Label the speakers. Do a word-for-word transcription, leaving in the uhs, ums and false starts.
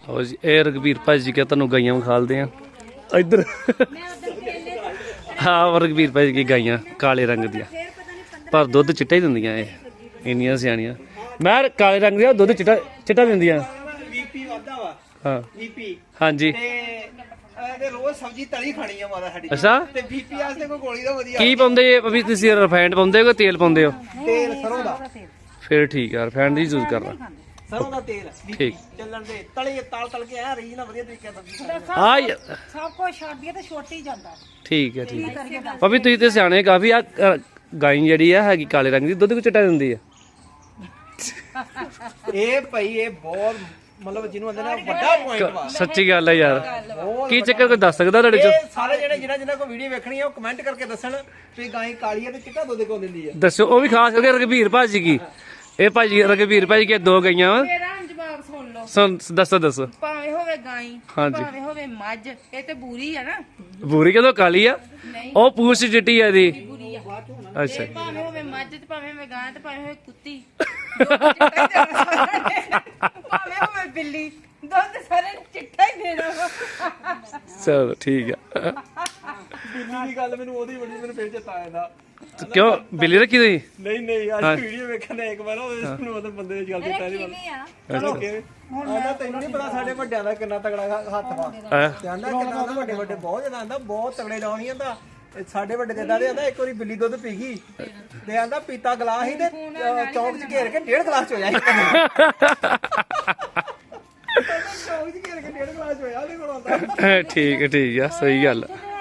Speaker 1: ਹੋ ਜੀ ਇਹ ਰਘਬੀਰ ਭਾਜੀ ਕੇ ਤੁਹਾਨੂੰ ਗਾਈਆਂ ਵਿਖਾਲਦੇ ਆ ਇੱਧਰ। ਹਾਂ ਰਘਬੀਰ ਭਾਜੀ ਕੀ ਗਾਈਆਂ ਕਾਲੇ ਰੰਗ ਦੀਆਂ ਪਰ ਦੁੱਧ ਚਿੱਟਾ ਹੀ ਦਿੰਦੀਆਂ ਇਹ ਇੰਨੀਆਂ ਸਿਆਣੀਆਂ। ਮੈਂ ਕਾਲੇ ਰੰਗ ਦੀਆਂ ਦੁੱਧ ਚਿੱਟਾ ਚਿੱਟਾ ਦਿੰਦੀਆਂ।
Speaker 2: ਬੀਪੀ ਵਾਧਾ ਵਾ
Speaker 1: ਹਾਂ
Speaker 2: ਬੀਪੀ
Speaker 1: ਹਾਂਜੀ
Speaker 2: ਤੇ ਇਹਦੇ ਰੋਜ਼ ਸਬਜ਼ੀ ਤਲੀ ਖਾਣੀ ਆ ਮਾਤਾ ਸਾਡੀ
Speaker 1: ਅੱਛਾ
Speaker 2: ਤੇ ਬੀਪੀ ਵਾਸਤੇ ਕੋਈ ਗੋਲੀ ਦਾ ਵਧੀਆ
Speaker 1: ਕੀ ਪਾਉਂਦੇ ਜੇ ਅਭੀ ਤੁਸੀਂ ਰਿਫਾਈਨਡ ਪਾਉਂਦੇ ਹੋ ਕਿ ਤੇਲ ਪਾਉਂਦੇ ਹੋ?
Speaker 2: ਤੇਲ ਸਰੋਂ ਦਾ
Speaker 1: ਫਿਰ ਠੀਕ ਆ ਰਿਫਾਈਨਡ ਦੀ ਯੂਜ਼ ਕਰਨਾ।
Speaker 2: ਸਰੋਂ ਦਾ ਤੇਲ
Speaker 1: ਠੀਕ
Speaker 2: ਚੱਲਣ ਦੇ ਤਲੇ ਤਲ ਤਲ ਕੇ ਆ ਰਹੀ ਨਾ ਵਧੀਆ ਤਰੀਕੇ ਨਾਲ ਸਬਜ਼ੀ
Speaker 1: ਆ ਯ-
Speaker 3: ਸਭ ਕੁਝ ਛੱਡ ਤੇ ਛੁੱਟ ਹੀ ਜਾਂਦਾ।
Speaker 1: ਠੀਕ ਹੈ ਠੀਕ ਹੈ ਭਾਬੀ ਤੁਸੀਂ ਤੇ ਸਿਆਣੇ ਕਾਫੀ ਆ ਅ, ਗਾਈ ਜਿਹੜੀ ਆ ਹੈਗੀ ਕਾਲੇ ਰੰਗ ਦੀ ਦੁੱਧ ਕੋ ਚਿੱਟਾ ਦਿੰਦੀ ਆ।
Speaker 2: ਇਹ ਭਾਈ ਇਹ ਬਹੁਤ ਮਤਲਬ ਜਿਹਨੂੰ ਆਂਦੇ ਨੇ ਵੱਡਾ ਪੁਆਇੰਟ ਵਾ।
Speaker 1: ਸੱਚੀ ਗੱਲ ਹੈ ਯਾਰ
Speaker 2: ਬਹੁਤ
Speaker 1: ਕੀ ਚੱਕਰ ਕੋਈ ਦੱਸ ਸਕਦਾ ਤੁਹਾਡੇ ਚੋਂ?
Speaker 2: ਇਹ ਸਾਰੇ ਜਿਹੜੇ ਜਿਹਨਾਂ ਜਿਹਨਾਂ ਕੋ ਵੀਡੀਓ ਵੇਖਣੀ ਆ ਉਹ ਕਮੈਂਟ ਕਰਕੇ ਦੱਸਣ ਵੀ ਗਾਂ ਕਾਲੀ ਆ ਤੇ ਚਿੱਟਾ ਦੁੱਧ ਕਿਉਂ ਦਿੰਦੀ ਆ।
Speaker 1: ਦੱਸੋ ਉਹ ਵੀ ਖਾਸ ਕਰਕੇ ਰਘਬੀਰ ਭਾਜੀ ਕੀ ਇਹ ਭਾਜੀ ਰਘਬੀਰ ਭਾਜੀ ਕੇ ਦੋ ਗਈਆਂ ਵਾ।
Speaker 3: ਮੇਰਾ ਹੁਣ ਜਵਾਬ ਸੁਣ ਲਓ।
Speaker 1: ਸੁਣ ਦੱਸੋ ਦੱਸੋ।
Speaker 3: ਭਾਵੇਂ ਹੋਵੇ ਗਾਈ
Speaker 1: ਹਾਂਜੀ।
Speaker 3: ਭਾਵੇਂ ਹੋਵੇ ਮੱਝ ਇਹ ਤੇ ਬੂਰੀ ਆ ਨਾ।
Speaker 1: ਬੂਰੀ ਕਦੋਂ ਕਾਲੀ ਆ
Speaker 3: ਨਹੀਂ
Speaker 1: ਉਹ ਪੂਛ ਚਿੱਟੀ ਆ ਦੀ।
Speaker 3: ਬੂਰੀ ਆ।
Speaker 1: ਅੱਛਾ
Speaker 3: ਇਹ ਭਾਵੇਂ ਹੋਵੇ ਮੱਝ ਤੇ ਭਾਵੇਂ ਹੋਵੇ ਗਾਂ ਤੇ ਭਾਵੇਂ ਹੋਵੇ ਕੁੱਤੀ ਦੁੱਧ ਚਿੱਟਾ ਹੀ ਦੇਣਾ ਸਾਰਿਆਂ ਨੇ। ਭਾਵੇਂ ਹੋਵੇ ਬਿੱਲੀ ਦੁੱਧ ਸਾਰੇ ਚਿੱਟਾ ਹੀ ਦੇਣਾ ਵਾ।
Speaker 1: ਚਲੋ ਠੀਕ ਆ।
Speaker 2: ਬਿੱਲੀ ਦੀ ਗੱਲ ਮੈਨੂੰ ਉਹਦੀ ਬੜੀ ਮੈਨੂੰ ਫੇਰ ਚੇਤਾ ਆਇਆ ਦਾ।
Speaker 1: ਕਿਉਂ ਬਿੱਲੀ ਰੱਖੀ ਤੁਸੀਂ?
Speaker 2: ਨਹੀਂ ਨਹੀਂ ਅੱਜ ਵੀਡੀਓ ਵੇਖਣ ਦਾ ਇੱਕ ਵਾਰ ਉਹਦੇ ਨੂੰ ਉਹਦੇ ਬੰਦੇ ਦੀ ਗੱਲ ਦਿੱਤਾ ਨਹੀਂ ਚਲੋ ਆਂਦਾ ਤੈਨੂੰ ਨਹੀਂ ਪਤਾ ਸਾਡੇ ਵੱਡਿਆਂ ਦਾ ਕਿੰਨਾ ਤਗੜਾ ਹੱਥ ਵਾ।
Speaker 1: ਹੈਂ?
Speaker 2: ਤੇ ਆਂਦਾ ਕਿੰਨਾ ਉਹਦਾ ਵੱਡੇ ਵੱਡੇ ਬਹੁਤ ਜ਼ਿਆਦਾ ਆਂਦਾ ਬਹੁਤ ਤਗੜੇ ਡਾਉਣੀ ਆਂਦਾ ਸਾਡੇ ਵੱਡੇ ਦੇਦਾ ਦੇ ਆਂਦਾ ਇੱਕ ਵਾਰੀ ਬਿੱਲੀ ਦੁੱਧ ਪੀ ਗਈ ਤੇ ਆਂਦਾ ਪੀਤਾ ਗਲਾਸ ਹੀ ਤੇ ਅਹ, ਚੌਂਕ 'ਚ ਘੇਰ ਕੇ ਡੇਢ ਗਲਾਸ ਚ ਹੋਇਆ ਸੀ। ਚੌਂਕ 'ਚ ਘੇਰ ਕੇ ਡੇਢ ਗਲਾਸ ਚ ਹੋਇਆ ਉਹਦੇ ਕੋਲ ਆਂਦਾ।
Speaker 1: ਠੀਕ ਹੈ ਠੀਕ ਆ ਸਹੀ ਗੱਲ ਆ।